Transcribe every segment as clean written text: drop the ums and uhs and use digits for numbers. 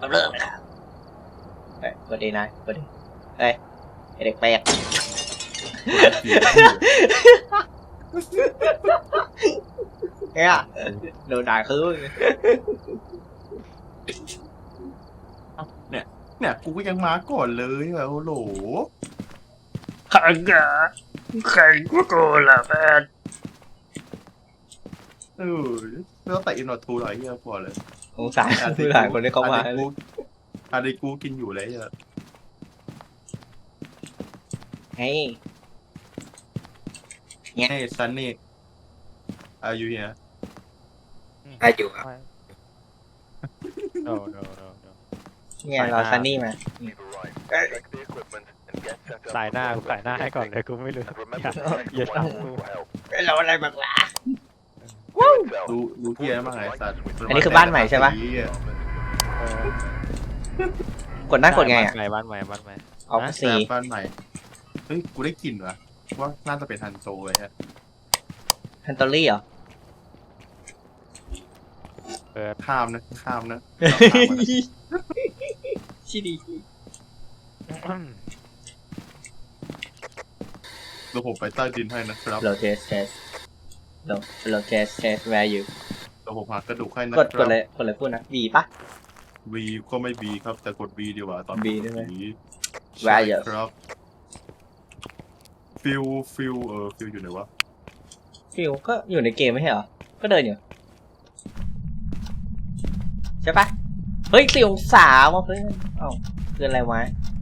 เริ่มนะครับเฮ้ยกดดีนะกดดีเฮ้ยเด็กแปลกเนี่ยโดนด่าคือเนี่ยกูก็ยังมาก่อนเลยอะโอ้โหขังกะขังกูโกล่ะแฟนแล้วแต่อินโนทูหน่อยเฮียพอเลยสงสารคนที่เขามาอะไรกูกินอยู่เลยอะเฮ้ยเฮ้ยซันนี่อายุเนี่ยอายุครับ no เนี่ยเราซันนี่มาสายหน้าให้ก่อนเลยกูไม่รู้อย่าทำกูเราอะไรบ้างล่ะรู้เที่ยมากไงสัตว์อันนี้คือบ้านใหม่ใช่ปะ กดหน้ากดไงอ่ะบ้านใหม่ออกสีบ้านใหม่เฮ้ยกูได้กลิ่นวะว่าน่าจะเป็นฮันโซเลยฮะฮันตอรี่เหรอข้ามนะชิดีเดี๋ยวผมไปใต้ดินให้นะครับโลเทสโลเทสwhere you เดี๋ยวผมหากระดูกให้นะกดเลยพูดนะ V ปะ V ก็ไม่ B ครับแต่กด V ดีกว่าตอน B ได้ไหมใช่ครับฟิลอยู่ไหนวะฟิวก็อยู่ในเกมไม่ใช่เหรอ ก็เดินอยู่ ใช่ปะเฮ้ยฟิวสาวมาเพื่อนเอ้าเพื่อนอะไรวะ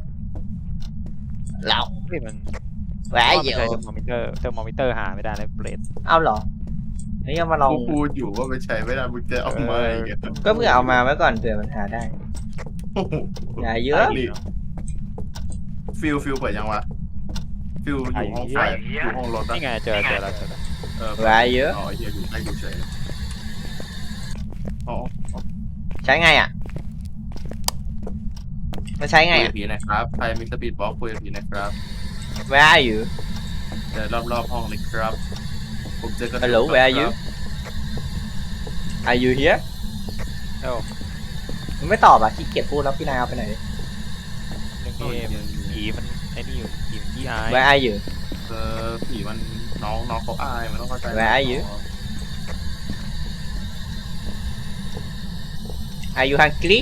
เรานี่มัน where เท you อร์โมมิเตอร์หาไม่ได้เลยเปรตเอาเหรอนี่ก็มาลองกูพูดอยู่ว่าไม่ใช่ไม่ได้มึงจะเอามาอีกอะก็เพื่อเอามาไว้ก่อนเผื่อมันหาได้โอ้โหอย่าเยอะฟิลเปิดยังวะฟิลอยู่ห้องไฟอยู่ห้องรถนี่ไงเจอแล้ว where you อ๋อเฮียอยู่ใต้ดูเฉยอ๋อใช้ไงอ่ะมันใช้ไงคุยอ่ะกับผีนะครับใครมีสปีดบล็อกคุยกับผีนะครับ where are you เดินรอบห้องเลยครับผมเจอกระดูก Hello where are you are you here เอ้ามันไม่ตอบอ่ะขี้เกียจพูดแล้วพี่นายเอาไปไหนผีมันไอ้นี่อยู่ผีมันยี่อาย where are you ผีมันน้องเขาอายมันต้องเข้าใจ Where are you are you hungry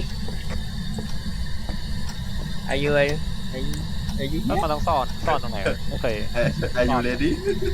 are you here แล้วมันต้องซ่อนตรงไหนไม่เคย Are you ready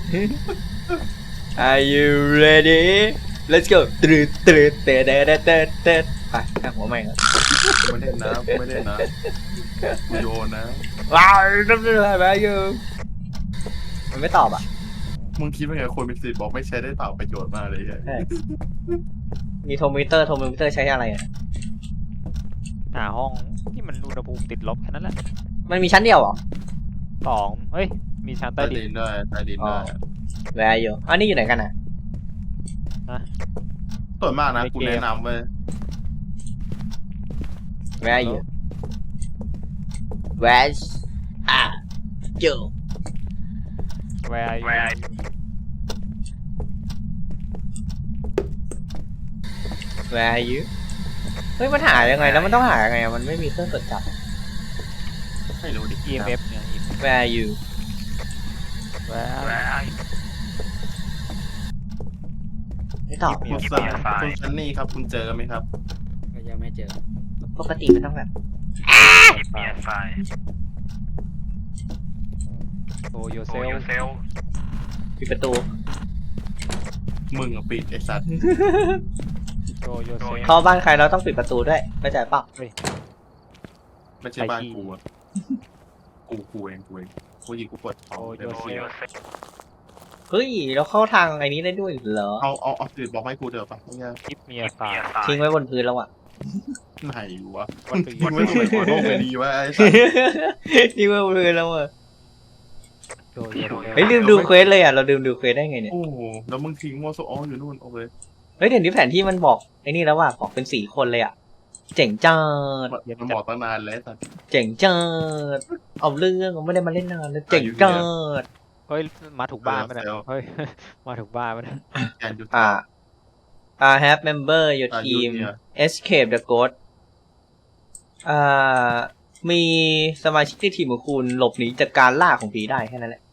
are you ready let's go เตะไปข้างหัวใหม่ครับไม่เล่นนะกูโยนนะว้าวนั่นเป็นอะไร where are you มันไม่ตอบอ่ะมึงคิดว่าไงคนมีสปีดบล็อกไม่ใช้ได้เปล่าประโยชน์มากเลยมีโทรมิเตอร์ใช้อะไรอ่ะหาห้องที่มันอุณหภูมิติดลบแค่นั้นแหละมันมีชั้นเดียวเหรอ 2เฮ้ยมีชั้นใต้ใต้ดิดินนด้วยใต้ดินด้วย where are you อันนี้อยู่ไหนกันอ่ะส่วนมากนะกูแนะนำเว้ย where are you where are you Where are you where are you เฮ้ยมันหายังไงแล้วมันต้องหายังไงมันไม่มีเครื่องตรวจจับไม่รู้ดิ EMF เนี่ย where are you Where are you ไม่ตอบคุณซันนี่ครับคุณเจอไหมครับก็ยังไม่เจอปกติมันต้องแบบ Show yourself ปิดประตูมึงปิดไอ้สัตว์ Show yourself เข้าบ้านใครเราต้องปิดประตูด้วยเข้าใจเปล่าไม่ใช่บ้านกูอะกูเองกูยิงกูปวดท้อง Show yourself เฮ้ยเราเข้าทางไอ้นี้ได้ด้วยเหรอเอาสปีดบล็อกให้กูเถอะปะเนี่ย Give me a sign ทิ้งไว้บนพื้นแล้วอ่ะไหนวะ What do ทิ้ง you ไว้ตรงไหนขอโทษไปดีวะไอ้สัตว์ทิ้งไว้บนพื้นแล้วอ่ะ Show yourself เฮ้ยลืมดูเควสเลยอ่ะเราลืมดูเควสได้ไงเนี่ยโอ้โหแล้วมึงทิ้งว่าโซออนอยู่นู่นโอเคเฮ้ยเดี๋ยวนี้แผนที่มันบอกไอ้นี่แล้วว่ะบอกเป็น4 คนเลยอ่ะเจ๋งจัดมันบอกตั้งนานแล้วสัตว์เจ๋งจัดเอาเรื่องไม่ได้มาเล่นนานแล้วเจ๋งจัดเฮ้ยมาถูกบ้านไปไหนเฮ้ยมาถูกบ้านไปไหนแกนยุทธ have member your team escape the ghost อ่ามีสมาชิกในทีมของคุณหลบหนีจากการล่าของผีได้แค่นั้นแหละ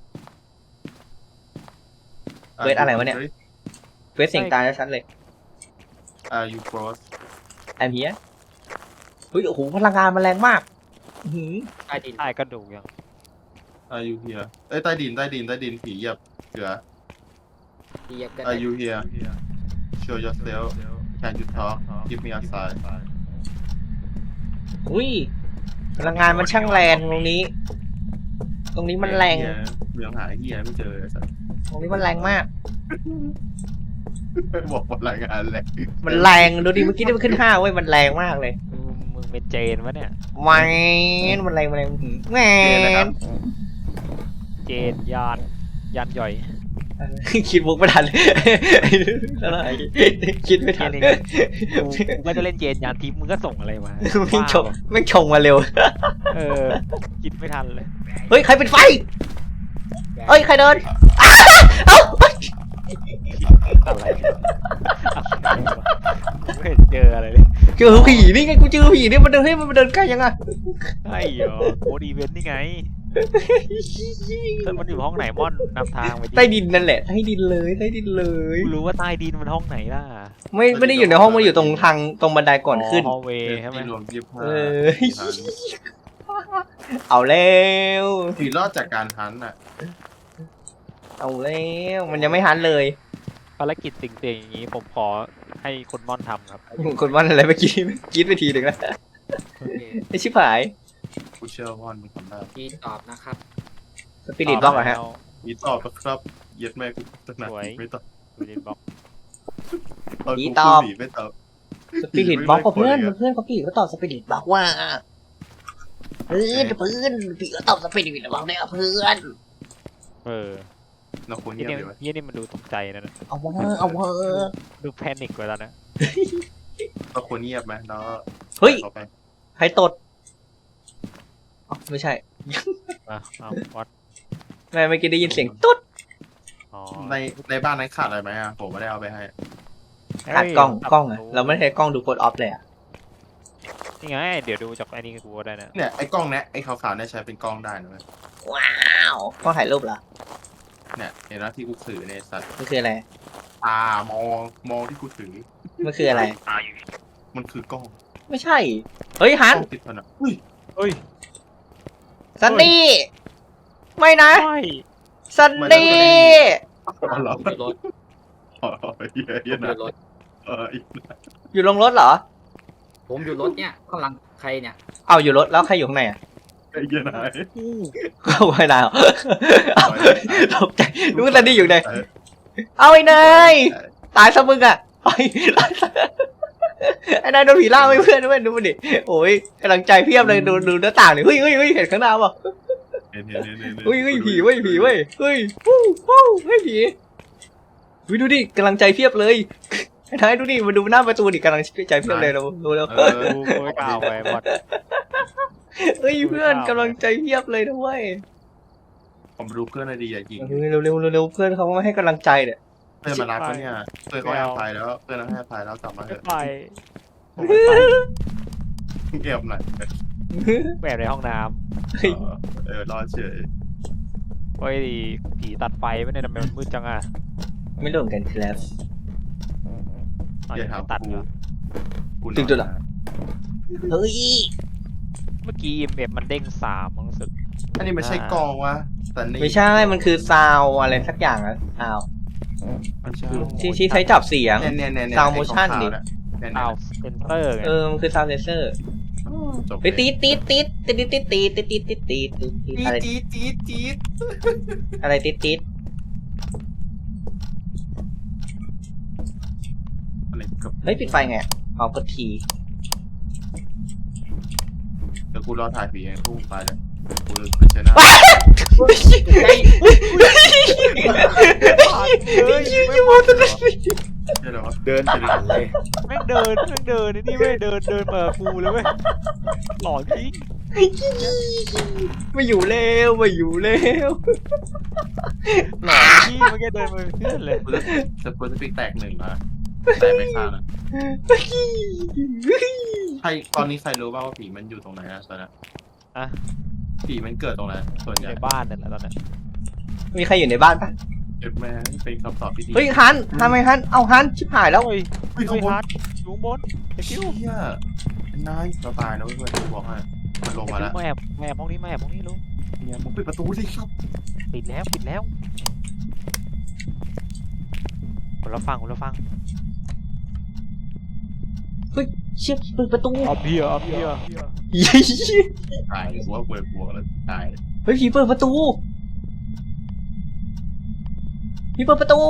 เวทอะไรวะเนี่ย เวสเสียงตายชัดเลย you cross I'm here เฮ้ยโอ้โหพลังงานมันแรงมากอื้อหือใต้ดินใต้กระดูกยัง you here เอ้ยใต้ดินผีเหยียบเสือที่ยับกัน you here show yourself can you talk give me a sign อุ้ยพลังงานมันช่างแรงตรงนี้ ตรงนี้มันแรงเรื่องหาเฮียไม่เจอสัสตรงนี้มันแรงมากบอกว่ารายงานแหละมันแรงดูดิเมื่อกี้ที่มันขึ้น5เว้ยมันแรงมากเลยมึงเป็นเจนวะเนี่ยแมนมันแรงอื้อหือแมนะครับนเจนยานหย่อยคิดมุกไม่ทันอะไรคิดไม่ทันกูไม่ได้เล่นเจนยานทิพย์มึงก็ส่งอะไรมาไม่งชงไม่งชงมาเร็วเออคิดไม่ทันเลยเฮ้ยใครเป็นไฟเอ้ยใครเดินอ้าเอ้าอะไรไม่เห็นเจออะไรเลยเจอผีนี่ไงกูเจอผีนี่มันเดินให้มันเดินใกล้ยังไงไอ้เหรอโค้ดอีเวนต์นี่ไงมันอยู่ห้องไหนม่อนนำทางไปใต้ดินนั่นแหละใต้ดินเลยใต้ดินเลยกูรู้ว่าใต้ดินมันห้องไหนล่ะไม่ได้อยู่ในห้องมันอยู่ตรงทางตรงบันไดก่อนขึ้นฮอลเวย์ใช่ไหมรวม25 เออ เอาแล้วผีรอดจากการทันอ่ะเอาแล้วมันยังไม่ทันเลยภารกิจสิ่งๆอย่างนี้ผมขอให้คนม่อนทำครับคนวันอะไรเมื่อกี้คิดไปทีหนึ่งแล้วโอเคไอชิบหายกูเชื่อว่ามันทำได้พี่ตอบนะครับสปิริตบล็อกเหรอฮะมีตอบปะครับเย็ดแม่กูตั้งนานไม่ตอบสปิริตบล็อกผีตอบไม่ตอบสปิริตบล็อกกับเพื่อนเขาผีเขาตอบสปิริตบล็อกว่าเพื่อนผีก็ตอบสปิริตบล็อกเนี่ยเพื่อนเออเราควรยี่เงียบนี่เลยวะยี่นี่มันดูตกใจนะเอาเวอร์ดูแพนิคไว้แล้วนะเราควรเงียบไหมแล้วเฮ้ยต่อไปใครตดอ๋อไม่ใช่มาเอาวัดแม่เมื่อกี้ได้ยินเสียงตุ๊ดอ๋อในบ้านนั้นขาดอะไรไหมอ่ะผมไม่ได้เอาไปให้ขาดกล้องอะเราไม่ใช้กล้องดูกดออฟเลยอะนี่ไงเดี๋ยวดูจากไอ้นี่กูก็ได้นะเนี่ยไอ้กล้องเนี้ยไอ้ขาวๆเนี่ยใช้เป็นกล้องได้นะเว้ยว้าวกล้องถ่ายรูปเหรอเนี่ยเห็นไหมที่กูถือเนี่ยสัตว์มันคืออะไรมองที่กูถือมันคืออะไรมันคือกล้องไม่ใช่ เฮ้ยฮักนล้องติดผนังอุ้ยเฮ้ยซันนี่ไม่นะใช่ซันนี่อ๋อเหรอผมอยู่รถอ๋อเหี้ยผมเหี้ยอนะยู่รถอีกอยู่ลงรถเหรอผมอยู่รถเนี่ยข้างหลังใครเนี่ยเอาอยู่รถแล้วใครอยู่ข้างในอ่ะไอ้เหี้ยนายเข้าไปนายเหรอเอาตกใจนึกว่าซันนี่อยู่ไหนเอาไอ้นายตายซะมึงอ่ะไอ้นายโดนผีล่าไม่เพื่อนด้วยดูมันดิโอ้ยกำลังใจเพียบเลยดูหน้าต่างเลยเฮ้ยเห็นข้างหน้าป่ะเฮ้ยผีเว้ยเฮ้ยผีดูดิกำลังใจเพียบเลยไอ้นายดูดิมาดูหน้าประตูดิกำลังใจเพียบเลยเราดูแล้วกูไม่กล่าวไปหมดเฮ้ยเพื่อนกำลังใจเพียบเลยนะเว้ยผมดูเพื่อนอะไรดีอ่ะยิงเร็วเพื่อนเขาไม่ให้กำลังใจเนี่ยเพื่อนมารับเขาเนี่ยเพื่อนเขาให้อภัยแล้วเพื่อนเขาให้อภัยแล้วกลับมาเถไม่อะไปเงียบหน่อยแบบในห้องน้รอเฉยำเฮ้ยผีตัดไฟไม่เนี่ยทำไมมันมืดจังอ่ะไม่รู้เหมือนกันครับอ๋ออย่ายังถามไม่ตัดกูเหรอถึงจุดเหรอ เฮ้ยเมื่อกี้เอฟมันเด้ง3มั้งรู้สึกอันนี้ไม่ใช่กองวะแต่นี่ไม่ใช่มันคือซาวอะไรสักอย่างอะซาวมันใช่ที่ใช้จับเสียงเนี่ย Sound motion ดิอ้าวเซนเซอร์ไงมันคือซาวเซนเซอร์จบไปตีอะไรจี๊ดอะไรตีอะไรกับเฮ้ยปิดไฟไงเอากดทีเดี๋ยวกูรอถ่ายผีให้กูไปเลยกูเลยไปเชิญหน้าเฮ้ยเดี๋ยววะเดินไปหลังเลยแม่งเดินนี่ไม่เดินมากูเลยเว้ยหลอนจริงไม่อยู่แล้วหลอนที่เมื่อกี้เดินมาเป็นเพื่อนเลยกูจะปิกแตก1นะแตกไปข้างนะใครตอนนี้ใครรู้บ้างว่าผีมันอยู่ตรงไหนอะตอนนี้อะผีมันเกิดตรงไหนส่วนอใหยู่ญ่ในบ้านนั่นแหละตอนนั้นมีใครอยู่ในบ้านปะเอ็ดแม่เป็นคำตอบที่ดีเฮ้ยฮันทำไมฮันเอาฮันชิบหายแล้วเฮ้ยเฮ้ยเฮ้ข้าย งบนฮาร์ดอยู่ข้างบนไอ้ฟิวเฮียนายเราตายนะเพื่อนกูบอกให้มันลงไอ้มาฟิแล้ว วมาแอบห้องนี้มาแอบห้องนี้ลูกเนี่ยมึงปิดประตูสิครับปิดแล้วคนละฟังเชี่ยเปิดประตูเอาเบียร์ตายหัวเปิดบวกแล้วตายเฮ้ยผีเปิดประตูผีเปิดประตู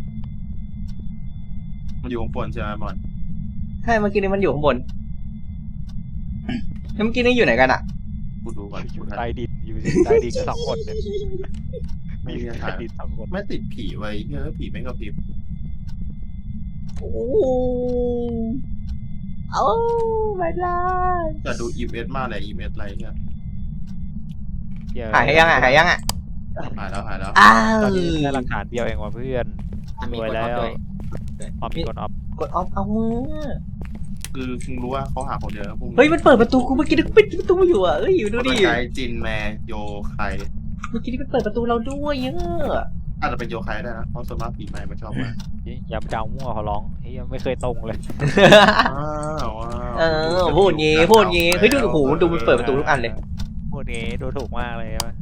มันอยู่ข้างบนใช่ไหมบอลใช่เมื่อกี้นี้มันอยู่ข้างบนแล้วเมื่อกี้นี้อยู่ไหนกันอะกูดูก่อนอยู่กูทันใต้ดินอยู่ใต้ดินสองคนเนี่ยมีใต้ดินสองคนไม่ติดผีไว้เฮ้ยผีไม่กระพริบโอ้โอ้ไม่ได้แต่ดูอีเมสมากเลยอีเมสอะไรเนี่ยหายยังอ่ะหายยังอ่ะหายแล้วหายแล้วอ้าวตอนนี้ได้หลักฐานเดียวเองว่ะเพื่อนมันมีรวยคนแล้ออฟวด้วยออฟมีคนออฟกดออฟเอามือคือมึงรู้ว่าเขาหาคนเดียวนะพวกเฮ้ยมันเปิดประตูกูเมื่อกี้นึกปิดประตูอยู่อ่ะเอ้ยอยู่ดูดิไกจินแมโยไคเมื่อกี้นี้มันเปิดประตูเราด้วยเยอะอาจจะเป็นโยไคได้นะเพราะส่วนมากผีแมมันชอบมายำเจ้ามั่วเขาร้องเฮ้ยยังไม่เคยตรงเลยเออพูดงี้พูดงี้เฮ้ยดูโอ้โหดูมันเปิดประตูทุกอันเลยพูดงี้ดูถูกมากเลยใช่ไหม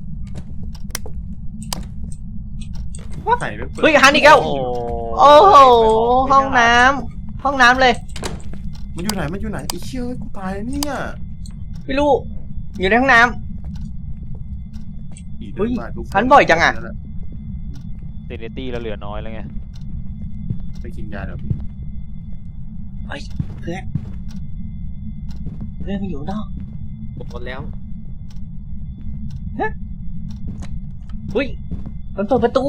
ไข่ไม่เปิดเฮ้ยฮันอีกแล้วโอ้โอ้โหห้องน้ำห้องน้ำเลยมันอยู่ไหนมันอยู่ไหนไอ้เชี่ยกูตายเนี่ยไม่รู้อยู่ในห้องน้ผีเดินมาทุกฮันบ่อยจังอะเซนิตี้เราเหลือน้อยแล้วไงำไปกินยาเดี๋ยวเพื่อนมันอยู่นอกหมดแล้วอุ้ยมันเปิดประตู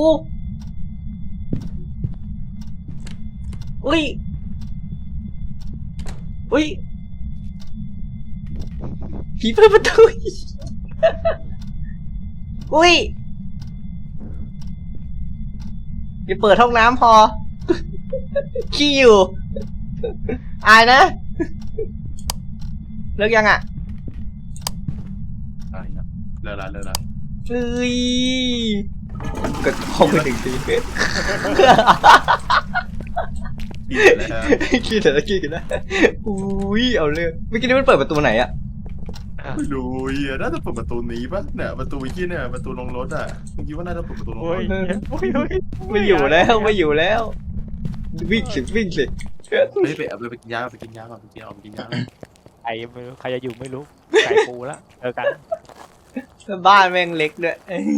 อุ้ยอุ้ยผีเปิดประตูอุ้ยอย่าเปิดห้องน้ำพอ ขี้อยู่ อายนะ เลิกยังอ่ะตายนะเลิกละเฮ้ยกดห้องไปหนึ่งทีผีแล้วขี้แต่ละขี้กันนะอุ้ยเอาเรื่องเมื่อกี้นี่มันเปิดประตูไหนอ่ะไม่รู้เฮียน่าจะเปิดประตูนี้ปะเนี่ยประตูที่เนี่ยประตูลงรถอ่ะเมื่อกี้ว่าน่าจะเปิดประตูลงรโอ้ยถโอ้ยโอ้ยไม่อยู่แล้วไม่อยู่แล้ว วิ่งสิวิ่งสิเฮ้ยไปกินยาไปกินยาก่อนไปกินยาใครไม่รู้ใครจะอยู่ไม่รู้ไก่ปูแล้วเจอกันบ้านแม่งเล็กด้วย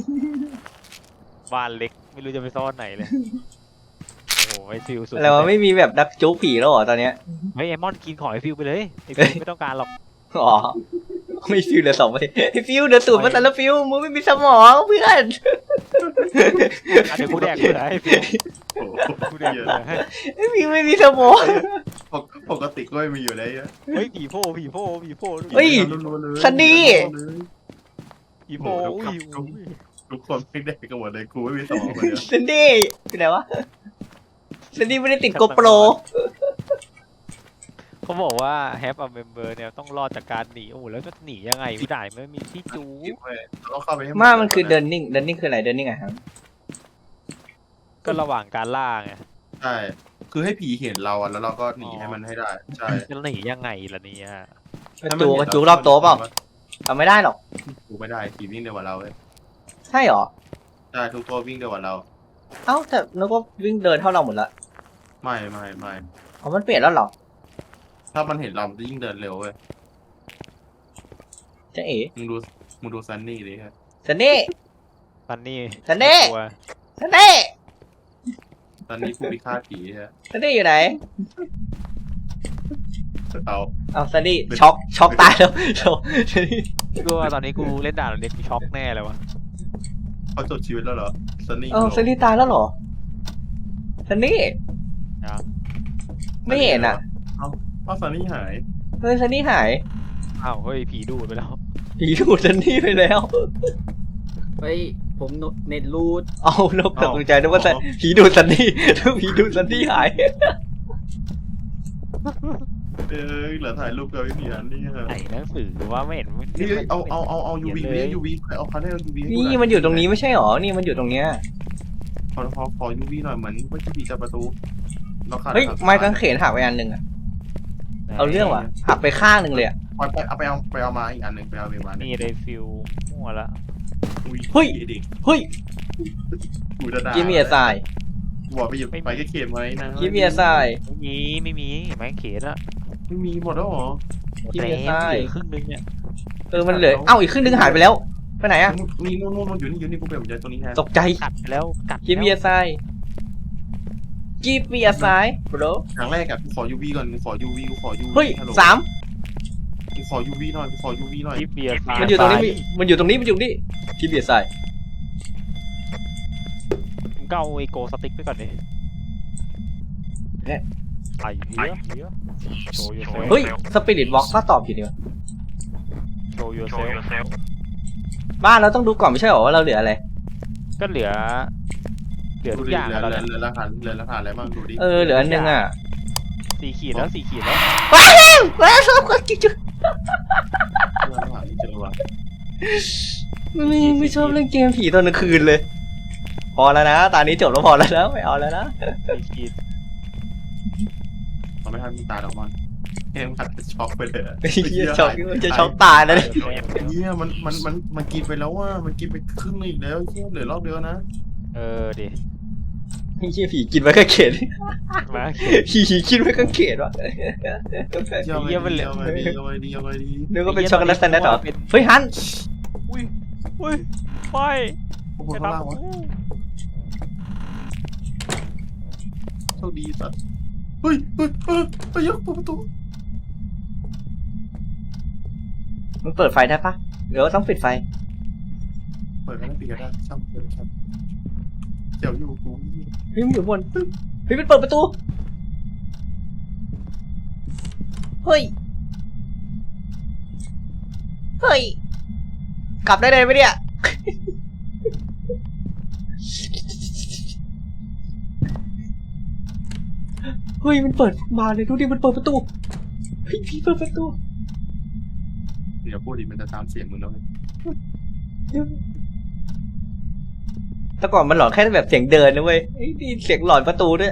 บ้านเล็กไม่รู้จะไปซ่อนไหนเลยโอ้โหไอฟิวสุดอะไรวะไม่มีแบบดักจุกผีแล้วเหรอตอนเนี้ยเฮ้ยไอมอนกินของไอฟิวไปเลยไอฟิวไม่ต้องการหรอกอ๋อไม่ฟิวเหลือ2 ประเทศไอ้ฟิวเดือดตูดมาแต่ละฟิวมึงไม่มีสมองเพื่อนเดี๋ยวกูแดกเผื่อให้ฟิวโอ้โหกูแดกเผื่อให้ไอ้ฟิวไม่มีสมองปกติก็ไม่มีอยู่แล้วเฮ้ยผีโพเฮ้ย ซันนี่ผีโพอุ้ยทุกคนไม่ได้กันหมดเลยกูไม่มีสมองคนเดียวซันดี้ไปไหนวะซันดี้ไม่ได้ติดโกโปรเขาบอกว่า have a member เนี่ยต้องรอดจากการหนีโอ้โหแล้วจะหนียังไงไม่ได้ไม่มีที่จูต้องเข้าไปให้มันคือเดินนิ่งคืออะไรเดินนิ่งอะครับก็ระหว่างการล่าไงใช่คือให้ผีเห็นเราอ่ะแล้วเราก็หนีให้มันให้ได้ใช่จะหนียังไงล่ะเนี่ยกระจูรอบโต๊ะเปล่าทำไม่ได้หรอกกูไม่ได้ผีวิ่งเร็วกว่าเราเลยใช่หรอใช่ทุกตัววิ่งเร็วกว่าเราเอ้าแต่นึกว่าวิ่งเดินเท่าเราหมดละไม่อ๋อมันเปลี่ยนแล้วเหรอถ้ามันเห็นเรามันจะยิ่งเดินเร็วเว้ยเจ๊เอ๋มึงดูซันนี่ดิครับซันนี่ซันนี่ซันนี่กลัวซันนี่ซันนี่ผู้พิฆาตผีฮะซันนี่อยู่ไหนเอาเอาซันนี่ช็อกตายแล้วโธ่ซันนี่กูว่าตอนนี้กูเล่นด่านเล็กกูช็อกแน่เลยวะเขาจบชีวิตแล้วเหรอซันนี่เออซันนี่ตายแล้วเหรอซันนี่ไม่เห็นอ่ะเอาซันนี่หายเฮ้ยซันนี่หายอ้าวเฮ้ยผีดูดไปแล้วผีดูดซันนี่ไปแล้วเฮ้ยผมเน็ตรูดเอานกตกใจนึกว่าผีดูดซันนี่ผีดูดซันนี่หายเหลือถ่ายรูปกับไม่มีอันนี่ไหนหนังสือว่าไม่เห็นนี่เอายูวียูวีเอาคันได้ยูวีนี่มันอยู่ตรงนี้ไม่ใช่หรอนี่มันอยู่ตรงเนี้ยขอยูวีหน่อยเหมือนว่าจะผีจับประตูเฮ้ยไม้กางเขนหักไปอันหนึ่งอะเอาเรื่องว่ะหักไปข้างหนึ่งเลยอะไปเอามาอีกอันหนึ่งไปเอามานี่เลยฟิลมั่วละเฮ้ยกูจะด่ากิมเมียทรายบอกไปหยิบไปแค่เข็มไว้นะกิมเมียทรายไม่มีไม้เขนอะไม่มีหมดแล้วหรอที่แต่มีไส้เหลือครึ่งนึงเนี่ยมันเหลือเอ้าอีกครึ่งหนึงหายไปแล้วไปไหนอะมีนู่นอยู่นี่กูเปลี่ยนใจตัวนี้แทนตกใจกัดไปแล้วกัดกิมเมียทรายกิมเมียทราย bro ครั้งแรกอะกูขอยูวีก่อนกูขอยูวีเฮ้ยสามกูขอยูวีหน่อยกูขอยูวีหน่อยที่เบียร์มันอยู่ตรงนี้มันอยู่ตรงนี้กิมเมียทรายมึงก็เอาไอโกสติ๊กไปก่อนดิไอ้เหี้ยโชว์ยูเซลเฮ้ยสปิริตวอล์กก็ตอบอยู่ดีวะโชว์ยูเซลบ้านเราต้องดูก่อนไม่ใช่หรอว่าเราเหลืออะไรก็เหลือดูทุกดิอย่างเหลืแล้วเนี่ยอราคาอะไรบ้างดูดิเหลืออันหนึงอะ 4 ขีดแล้ว4 ขีดแล้วว้าวชอบกันจุ๊ไม่เจอว่ะไม่ชอบเล่นเกมผีตอนกลางคืนเลย พอแล้วนะตอนนี้จบแล้วพอแล้วนะไม่เอาแล้วนะ 4 ขีดมันไม่ทันมีตาดอกมันเกมขัดช็อกไปเลยช็อกจะช็อกตายนะเนี่ยเนี่ยมันกินไปแล้วว่ามันกินไปครึ่งนึงอีกแล้วเชี่ยเหลือรอบเดียวนะดิไม่ใช่ผีกินไว้กางเขนมาผีกินไว้กางเขนวะเชี่ยเอาไงดีนึกว่าเป็นช็อกโกแลตแซนด์เหรอเฮ้ยฮันอุ้ยไปพวกข้างล่างวะโชคดีสัตว์เฮ้ยยกประตูมันเปิดไฟได้ปะหรือว่าต้องปิดไฟเปิดแล้วปิดก็ได้ช่างเลยครับเดี๋ยวอยู่กูเฮ้ยมันอยู่บนเฮ้ยมันเปิดประตูเฮ้ยกลับได้เลยไหมเนี่ยเฮ้ยมันเปิดมาเลยดูดิมันเปิดประตูเฮ้ยพี่เปิดประตูเดี๋ยวพูดดิมันจะตามเสียงมึงแล้วแต่ก่อนมันหลอนแค่แบบเสียงเดินนะเว้ยนี่เสียงหลอนประตูด้วย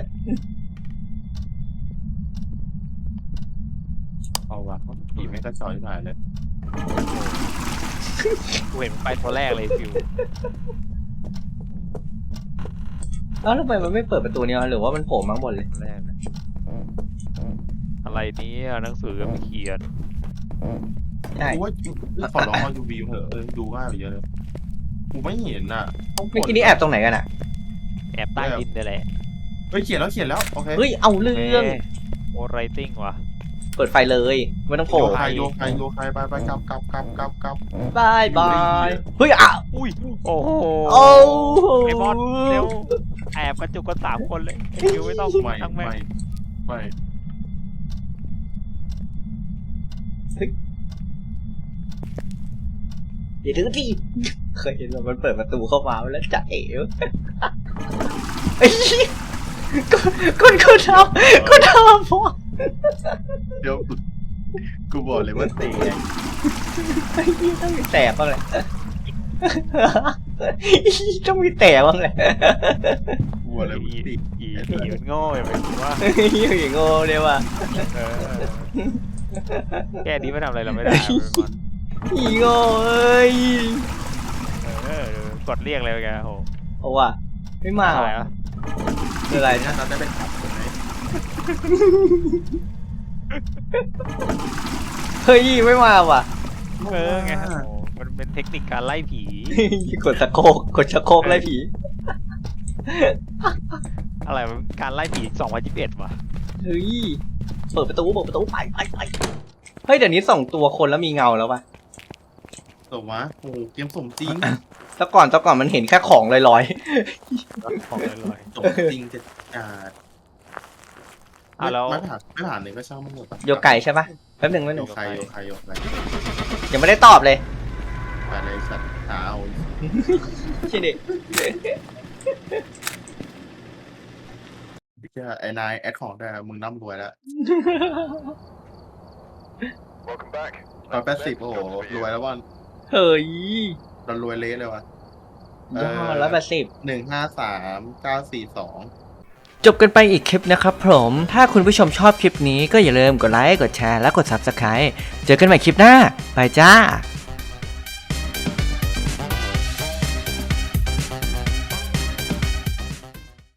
เอาวะผีไม่กระจอยหน่อยเลยกูเห็นไปตัวแรกเลยฟิวแล้วทำไมมันไม่เปิดประตูเนี่ยหรือว่ามันโผล่มาข้างบนเลยแรกนะอะไรนี้หนังสือก็ไม่เขียนใช่กูว่าขอร้องเอายูวีเถอะดูง่ายไปเยอะเลยกูไม่เห็นอ่ะเมื่อกี้นี้แอบตรงไหนกันอ่ะแอบใต้ดินเลยแหละเฮ้ยเขียนแล้วโอเคเฮ้ยเอาเรื่องโอไรติ้งว่ะเปิดไฟเลยไม่ต้องโผล่โยคายไปกลับบายเฮ้ยอ่ะอุ้ยโอ้โหโอ้ไอ้บอสเร็วแอบกระจุกกัน3 คนเลยไอ้ฟิวไม่ต้องทั้งแม่งไม่อย่าถึงที่เคยเห็นแบบมันเปิดประตูเข้ามาแล้วจะเอ๋วไอ้คนทำพอเดี๋ยวกูบอกเลยว่าเตะไอ้ยี่ต้องมีแตกบ้างแหละต้องมีแตกบ้างแหละกูบอกเลยว่าตีผีมันโง่อย่างไรกูว่าอย่างโง่เลยว่ะแค่นี้ไม่ทำอะไรเราไม่ได้อีโง่เอ้ยกดเรียกเลยแกโหเอาว่ะไม่มาอะไรว่ะอ่ะอะไรถ้านะเราได้เป็นขับไหมเฮ้ยไม่มาว่ะไงโหมันเป็นเทคนิคการไล่ผีกดชักโครกไล่ผีอะไรการไล่ผี2021ว่ะเฮ้ยเปิดประตูไปเฮ้ยเดี๋ยวนี้ส่งตัวคนแล้วมีเงาแล้วป่ะสมวะโอ้เกมสมจริงแต่ก่อนมันเห็นแค่ของลอยของลอยสมจริงจะจัดแล้วไม่ผ่านเลยก็ช่างมันหมดๆโยไก่ใช่ป่ะแป๊บหนึ่งโยใครยังไม่ได้ตอบเลยไปเลยสัตว์หาเอาใช่ดิไอ้นายแอดของได้มึงร่ำรวยแล้ว 180โอ้โหรวยแล้วว่ะเฮ้ยเรารวยเละเลยว่ะยอด180 153942 จบกันไปอีกคลิปนะครับผม ถ้าคุณผู้ชมชอบคลิปนี้ก็อย่าลืมกดไลค์ กดแชร์ และกด Subscribe เจอกันใหม่คลิปหน้า ไปจ้า